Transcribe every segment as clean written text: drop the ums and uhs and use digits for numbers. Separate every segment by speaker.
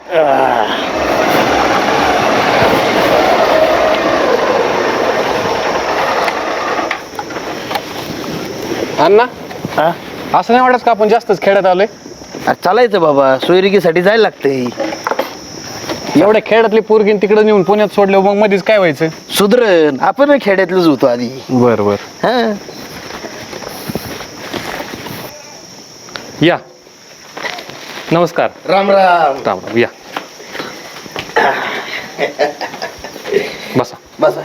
Speaker 1: अण्णा
Speaker 2: हा
Speaker 1: असं नाही वाटत का आपण जास्तच खेड्यात आलोय?
Speaker 2: चालायचं बाबा, सोयरिकीसाठी जायला लागतंय.
Speaker 1: एवढ्या खेड्यातली पोरगी तिकडे नेऊन पुण्यात सोडलं, मग मध्येच काय व्हायचं?
Speaker 2: सुधरण आपण खेड्यातलंच होतो आधी.
Speaker 1: बर बर
Speaker 2: हा
Speaker 1: या. नमस्कार.
Speaker 2: राम राम.
Speaker 1: राम राम. या बसा.
Speaker 2: बसा.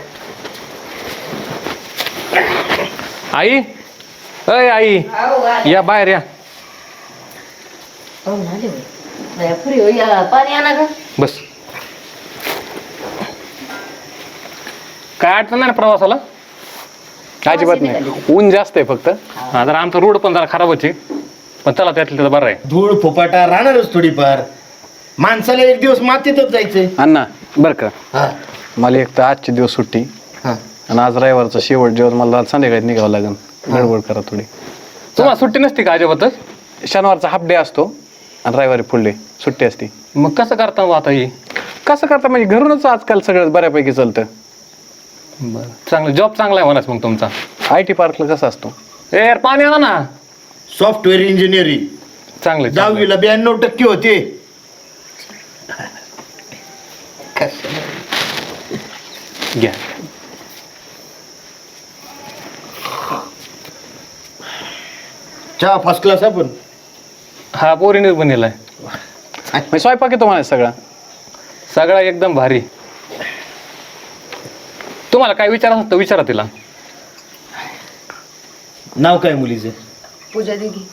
Speaker 1: आई, अय आई, या बाहेर या.
Speaker 3: पाणी आणा का?
Speaker 1: बस. काय अडचण नाही ना प्रवासाला? अजिबात नाही. ऊन जास्त आहे फक्त. हा, जरा आमचा रोड पण जरा खराबच आहे, पण चला त्यातलं तर बरं आहे.
Speaker 2: धूळ फुपाटा राहणारच थोडीफार. माणसाला एक दिवस मातीतच जायचंय.
Speaker 1: अण्णा बरं का,
Speaker 2: हा
Speaker 1: मला एक तर आजचे दिवस सुट्टी
Speaker 2: हा
Speaker 1: आणि आज रविवारचा शेवट जेवण, मला संध्याकाळी निघावं लागेल. गडबड करा थोडी. तुम्हाला सुट्टी नसते का अजिबातच? शनिवारचा हाफ डे असतो आणि रविवारी फुल डे सुट्टी असते. मग कसं करता मग आता ही? कसं करता म्हणजे घरूनच आजकाल सगळं बऱ्यापैकी चालतं. बरं, चांगलं. जॉब चांगला आहे म्हणाच मग तुमचा. IT पार्कला कसं असतो? ए यार पाणी आणा ना.
Speaker 2: सॉफ्टवेअर इंजिनिअरिंग
Speaker 1: चांगलं.
Speaker 2: 10वीला 92% होते.
Speaker 1: घ्या.
Speaker 2: चहा फर्स्ट क्लास आपण.
Speaker 1: हा पोरीने बनलेला आहे. स्वयंपाक येतो मला सगळा सगळा एकदम भारी. तुम्हाला काय विचारायचं तर विचारा तिला.
Speaker 2: नाव काय मुलीचं?
Speaker 3: पूजा दिदी.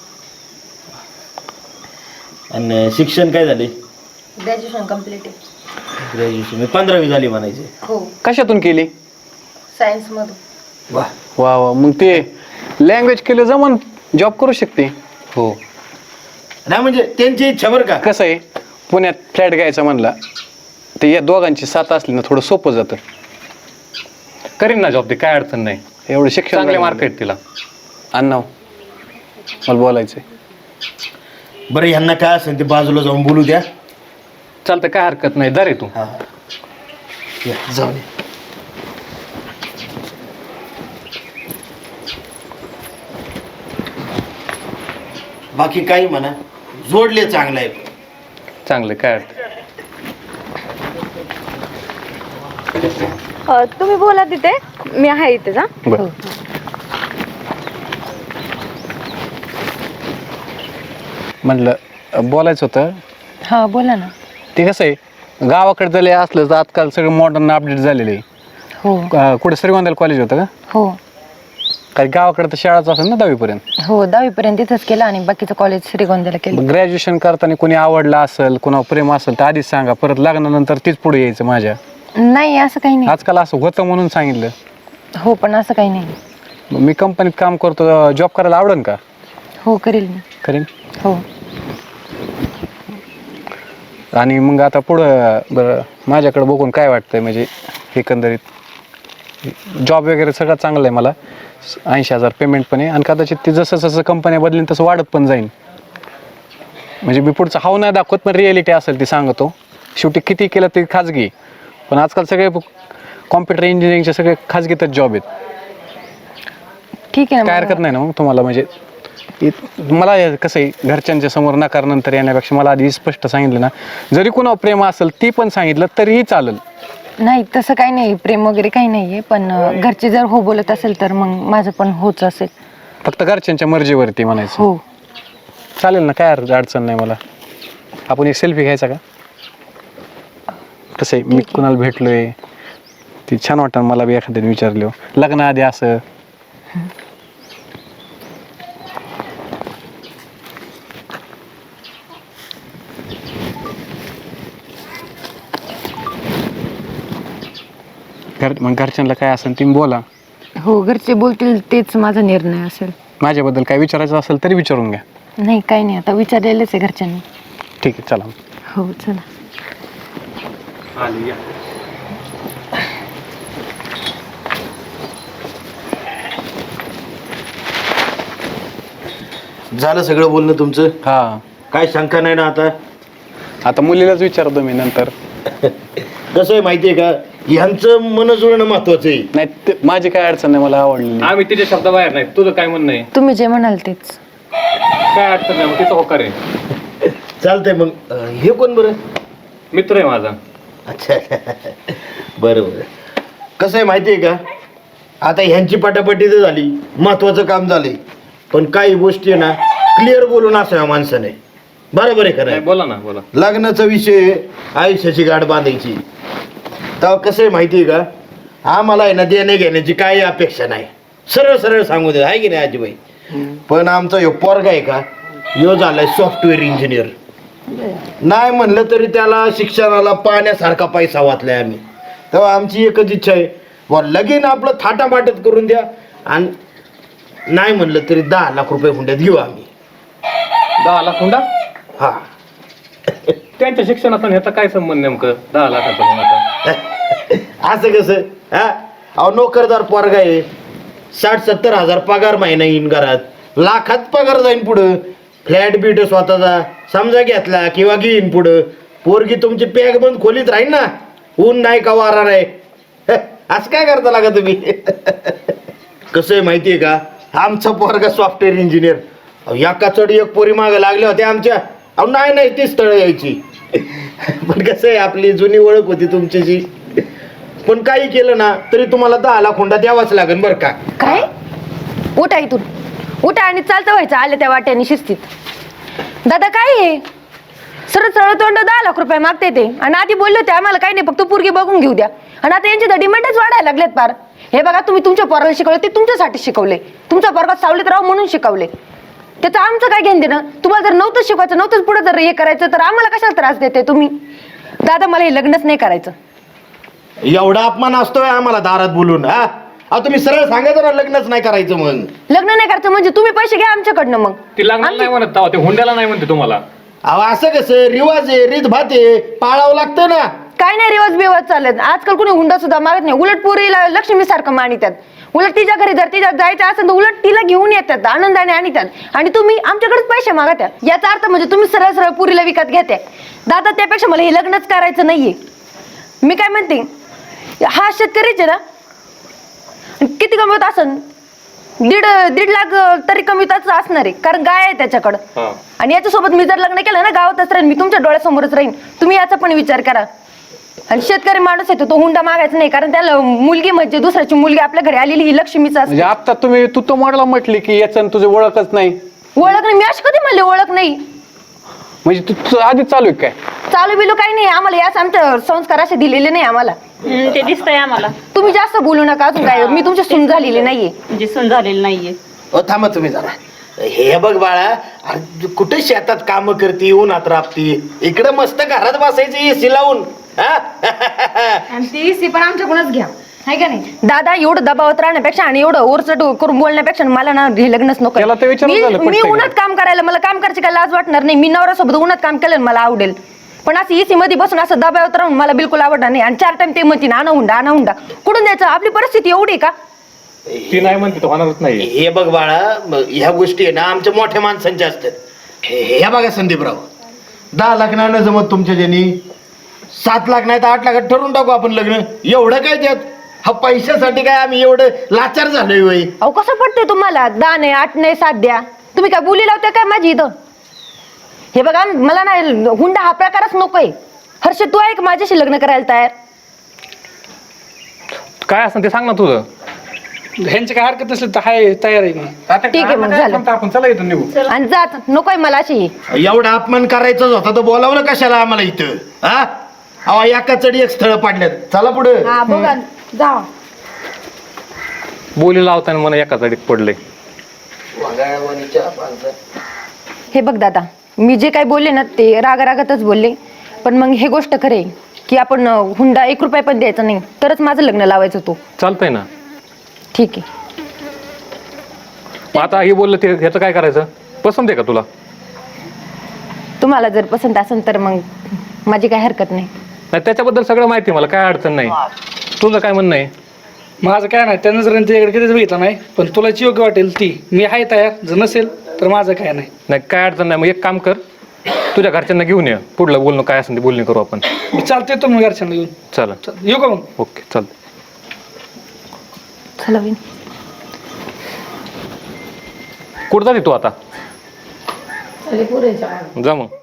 Speaker 2: आणि शिक्षण काय झाले?
Speaker 3: ग्रॅज्युएशन कम्प्लीट आहे.
Speaker 2: ग्रॅज्युएशन 15वी झाली म्हणायचे.
Speaker 3: हो,
Speaker 1: कशातून केली?
Speaker 3: सायन्स मधून.
Speaker 2: वा
Speaker 1: वा वा. मग ते लँग्वेज केलं जमन, जॉब करू शकते. हो.
Speaker 2: नाही म्हणजे त्यांची इच्छा बरं का.
Speaker 1: कसं आहे, पुण्यात फ्लॅट घ्यायचा म्हणला तर या दोघांची साथ असली ना थोडं सोपं जातं. करीन ना जॉब, ते काय अडचण नाही. एवढं शिक्षण, चांगले मार्केट तिला. अण्णा मला बोलायचंय.
Speaker 2: बरं ह्यांना काय असेल ते बाजूला जाऊन बोलू द्या.
Speaker 1: चालतं, काय हरकत नाही. दर तू.
Speaker 2: हा या, जाऊ दे. बाकी काही म्हणा, जोडले चांगलं आहे.
Speaker 1: चांगलं, काय अडचण.
Speaker 4: तुम्ही बोला तिथे, मी आहे इथे. जा.
Speaker 1: बरं. म्हटलं बोलायचं होतं.
Speaker 4: हा बोला ना.
Speaker 1: ते कसं आहे, गावाकडे जरी असलं तर आजकाल सगळं मॉडर्न अपडेट झालेलं आहे.
Speaker 4: हो
Speaker 1: कुठे श्रीगोंद्याला कॉलेज होतं का?
Speaker 4: हो
Speaker 1: काही गावाकडे तर शाळाच असेल ना 10वी पर्यंत.
Speaker 4: हो, 10वी पर्यंत इथंच केलं आणि बाकीचं कॉलेज श्रीगोंद्याला केलं.
Speaker 1: ग्रॅज्युएशन करताना कोणी आवडला असेल, कोणावर प्रेम असेल तर आधीच सांगा, परत लग्नानंतर तीच पुढे यायचं. माझ्या
Speaker 4: नाही असं काही नाही.
Speaker 1: आजकाल असं होतं म्हणून सांगितलं.
Speaker 4: हो पण असं काही नाही.
Speaker 1: मी कंपनीत काम करतो, जॉब करायला आवडेल का?
Speaker 4: हो करेल मी.
Speaker 1: करेन.
Speaker 4: हो.
Speaker 1: आणि मग आता पुढं बरं माझ्याकडे बघून काय वाटतंय, म्हणजे एकंदरीत जॉब वगैरे सगळं चांगलं आहे. मला 80,000 पेमेंट पण आहे आणि कदाचित ते जसं जसं कंपन्या बदलेन तसं वाढत पण जाईल. म्हणजे मी पुढचं हाव नाही दाखवत, पण रिॲलिटी असेल ती सांगतो. शेवटी किती केलं ते खाजगी, पण आजकाल सगळे कॉम्प्युटर इंजिनिअरिंगचे सगळे खाजगीतच जॉब आहेत.
Speaker 4: ठीक आहे ना.
Speaker 1: काय हरकत नाही ना मग तुम्हाला? म्हणजे मला कसं आहे, घरच्यांच्या समोर नकार नंतर येण्यापेक्षा मला आधी स्पष्ट सांगितलं ना, जरी कुणावर प्रेम असेल ती पण सांगितलं तरीही चालेल.
Speaker 4: नाही तसं काही नाही, प्रेम वगैरे काही नाहीये. पण घरचे जर हो बोलत असेल तर मग माझं पण होच असेल.
Speaker 1: फक्त घरच्यांच्या मर्जीवरती म्हणायचं.
Speaker 4: हो
Speaker 1: चालेल ना, काय अडचण नाही मला. आपण एक सेल्फी घ्यायचा का? कसं आहे, मी कुणाला भेटलोय ती छान वाटतं मला बी. एखाद्याने विचारलं लग्नाआधी असं. मग घरच्यांना काय असेल तुम्ही बोला.
Speaker 4: हो, घरचे बोलतील तेच माझा निर्णय असेल.
Speaker 1: माझ्याबद्दल काय विचारायचं असेल तरी विचारून घ्या.
Speaker 4: नाही काही नाही, आता विचारलेलंच आहे घरच्यांनी.
Speaker 1: ठीक आहे, चला.
Speaker 4: हो चला.
Speaker 2: झालं सगळं बोलणं तुमचं?
Speaker 1: हा.
Speaker 2: काय शंका नाही ना आता?
Speaker 1: आता मुलीलाच विचारतो मी नंतर.
Speaker 2: कसं आहे माहितीये का, ह्यांचं मन जुळणं महत्वाचं आहे.
Speaker 1: नाही माझी काय अडचण नाही, मला आवडली.
Speaker 5: आम्ही तिच्या शब्दाबाहेर नाही. तुझं काय म्हणणं आहे?
Speaker 4: तुम्ही जे म्हणाल तेच.
Speaker 5: काय अडचण नाही, मग तिचं होकार आहे.
Speaker 2: चालतंय मग. हे कोण बरं?
Speaker 5: मित्र आहे माझा.
Speaker 2: अच्छा बरं बरं. कसं आहे माहितीये का, आता ह्यांची पटापटी तर झाली, महत्वाचं काम झालंय, पण काही गोष्टी ना क्लिअर बोलून असाव्या माणसाने. बरोबर आहे खरं
Speaker 5: नाही,
Speaker 2: आहे.
Speaker 5: बोला ना, बोला.
Speaker 2: लग्नाचा विषय आयुष्याची गाठ बांधायची. तेव्हा कसं आहे माहितीये का, आम्हाला आहे ना देणे घेण्याची काही अपेक्षा नाही, सरळ सरळ सांगू दे, आहे की नाही आजीबाई. पण आमचा ह्यो पोरगा आहे का, ह्यो झालाय सॉफ्टवेअर इंजिनियर. नाही म्हणलं तरी त्याला शिक्षणाला पाण्यासारखा पैसा वाचलाय आम्ही. तेव्हा आमची एकच इच्छा आहे, व लगीन आपलं थाटामाटत करून द्या, आणि नाही म्हणलं तरी 10 लाख रुपये हुंड्यात घेऊ आम्ही.
Speaker 5: 10 लाख हुंडा?
Speaker 2: हा
Speaker 5: त्यांच्या शिक्षणाचा ह्याचा काय संबंध नेमकं 10 लाखाचा हुंडाचा?
Speaker 2: असं कसं हा? अहो नोकरदार पोरगा आहे, 60-70 हजार पगार महिना येईन घरात, लाखात पगार जाईन पुढं. फ्लॅट बीट स्वतःचा समजा घेतला किंवा घेईन पुढं, पोरगी तुमची पॅक बंद खोलीत राहील ना, ऊन नाही का वारा नाही. असं काय करता लागा तुम्ही? कसं आहे माहितीये का, आमचा पोरगा सॉफ्टवेअर इंजिनियर. एका चढी एक पोरी मागे लागल्या होत्या आमच्या. अहो नाही ती स्थळं यायची. पण कसं आहे, आपली जुनी ओळख होती तुमच्याशी. पण काही केलं ना तरी तुम्हाला 10 लाख हुंडा द्यावाच लागेल बरं का.
Speaker 4: काय? उठा इथून, उठा आणि चालतं व्हायचं आले त्या वाट्याने शिस्तीत. दादा काय आहे, सरळ सरळ तोंड 10 लाख रुपये मागते ते, आणि आधी बोलले होते आम्हाला काही नाही, फक्त पोरगी बघून घेऊ द्या, आणि आता यांची तर डिमांडच वाढायला लागलेत पार. हे बघा, तुम्ही तुमच्या पोराला शिकवले ते तुमच्यासाठी शिकवले, तुमच्या पोरगात सावलीत राहू म्हणून शिकवले, त्याचं आमचं काय घेणं देणं. तुम्हाला जर नव्हतं शिकवायचं, नव्हतंच पुढे जर हे करायचं, तर आम्हाला कशाला त्रास देते तुम्ही. दादा मला हे लग्नच नाही करायचं.
Speaker 2: एवढा अपमान असतोय आम्हाला दारात बोलून. हा अहो तुम्ही सरळ सांगायचं ना लग्नच नाही करायचं. मग
Speaker 4: लग्न नाही करायचं म्हणजे तुम्ही पैसे घ्या आमच्याकडनं. मग
Speaker 5: ती लग्नाला नाही म्हणत तेव्हा, ते हुंड्याला नाही म्हणते तुम्हाला.
Speaker 2: अहो असं कसं, रिवाज आहे, रीतभात आहे, पाळावं लागतं ना.
Speaker 4: काय नाही रिवाज बिवाज चालत आजकाल, कोणी हुंडा सुद्धा मागत नाही. उलट पोरीला लक्ष्मी सारखं मानितात. उलट तिच्या घरी जर तिच्या जायचं असेल तर उलट तिला घेऊन येतात, आनंदाने आणतात, आणि तुम्ही आमच्याकडेच पैसे मागत्या. याचा अर्थ म्हणजे तुम्ही सरळ सरळ पुरीला विकत घेते. दादा त्यापेक्षा मला हे लग्नच करायचं नाहीये. मी काय म्हणते, हा शेतकरीच आहे ना, किती कमवत असन, 1.5 लाख तरी कमवतच असणार आहे, कारण गाय आहे त्याच्याकडं. आणि याच्यासोबत मी जर लग्न केलं ना, गावातच राहीन मी, तुमच्या डोळ्यासमोरच राहीन. तुम्ही याचा पण विचार करा. आणि शेतकरी माणूस आहे तो हुंडा मागायचा नाही, कारण त्याला मुलगी म्हणजे दुसऱ्याची मुलगी आपल्या घरी आलेली ही लक्ष्मीच असते.
Speaker 1: म्हणजे आता तुम्ही तू तो मॉडला म्हटली की याचं तुझी ओळखच नाही.
Speaker 4: ओळख नाही, मी अशी कधी म्हणले ओळख नाही.
Speaker 1: म्हणजे तू आधी चालू आहे काय?
Speaker 4: चालू बिलू काही नाही आम्हाला, याच आमचे संस्कार असे दिलेले नाही आम्हाला.
Speaker 6: ते दिसतंय आम्हाला.
Speaker 4: तुम्ही जास्त बोलू नका अजून. काय मी तुमची सून झालेली नाहीये.
Speaker 6: म्हणजे सून झालेली नाहीये.
Speaker 2: थांबा तुम्ही जरा. हे बघ बाळा, अरे कुठे शेतात काम करती, उन्हात राबती, इकडं मस्त घरात बसायचं एसी लावून.
Speaker 3: आणि ती एसी पण आमच्याकडूनच घ्या, आहे का नाही.
Speaker 4: दादा एवढं दबावत राहण्यापेक्षा आणि एवढं ओरचट करून बोलण्यापेक्षा मला ना हे लग्नच नको.
Speaker 1: त्याला ते विचारून झालं
Speaker 4: मी
Speaker 1: पटकन.
Speaker 4: उन्हात काम करायला, मला काम करायची काय लाज वाटणार नाही. मी नवऱ्यासोबत उन्हात काम केलं मला आवडेल, पण असं एसी मध्ये बसून असं दबावत राहून मला बिलकुल आवडणार नाही. आणि 4 टाइम ते म्हणते ना, आणा हुंडा कुठून द्यायचं. आपली परिस्थिती एवढी का?
Speaker 5: ती नाही म्हणते तो होणारच नाही.
Speaker 2: हे बघ बाळा, ह्या गोष्टी आहे ना आमच्या मोठ्या माणसांच्या असतात. ह्या बघा संदीपराव, 10 लाख नाही ना जमत तुमच्या ज्यांनी, 7 लाख नाही तर 8 लाखात ठरवून टाकू आपण लग्न. एवढं काय त्यात, हा पैशासाठी काय आम्ही एवढं लाचार झालोय वय.
Speaker 4: अहो कसं पडतंय तुम्हाला, 10 नाही 8 नाही 7 द्या. तुम्ही काय बोली लावता काय माझी इथं? हे बघा, मला ना हुंडा हा प्रकारच नकोय. हर्ष तू आहे का माझ्याशी लग्न करायला तयार?
Speaker 5: काय असं ते सांग ना तुझं.
Speaker 7: ह्यांची काय हरकत नसली तर हाय, तयार आहे मी.
Speaker 4: ठीक आहे, मग झालं.
Speaker 5: आपण चला इथून निघू.
Speaker 4: आणि जात नकोय मला अशी.
Speaker 2: एवढा अपमान करायचाच होता तर बोलावलं कशाला आम्हाला इथं? हा अहो एका चढी एक स्थळ पाडल्यात. चला पुढे.
Speaker 3: हा बघा, जा.
Speaker 5: बोली लावताना मला एका जाडीत पडले.
Speaker 4: हे बघ दादा, मी जे काय बोलले ना ते रागारागातच बोलले, पण मग हे गोष्ट खरे की आपण हुंडा 1 रुपया पण द्यायचा नाही, तरच माझं लग्न लावायचं. तो
Speaker 5: चालतंय ना.
Speaker 4: ठीक आहे.
Speaker 5: मग आता हे बोललं ते ह्याचं काय करायचं? पसंत आहे का तुला?
Speaker 4: तुम्हाला जर पसंत असेल तर मग माझी काय हरकत नाही.
Speaker 5: नाही, त्याच्याबद्दल सगळं माहिती आहे मला, काय अडचण नाही. तुझं काय म्हणणं आहे?
Speaker 7: माझं काय नाही, त्या नजरेने त्याच्याकडे कधीच बघितलं नाही, पण तुला जी योग्य वाटेल ती. मी आहे तयार, जर नसेल तर माझं काय नाही.
Speaker 5: नाही, काय अडचण नाही. मग एक काम कर, तुझ्या घरच्यांना घेऊन ये, पुढलं बोलणं काय असेल ते बोलणी करू आपण.
Speaker 7: चालते तो मग घरच्यांना घेऊन.
Speaker 5: चला
Speaker 7: येऊ का मग?
Speaker 5: ओके चालतं.
Speaker 4: चला वहिनी.
Speaker 5: कुठं जाते तू आता? जा मग.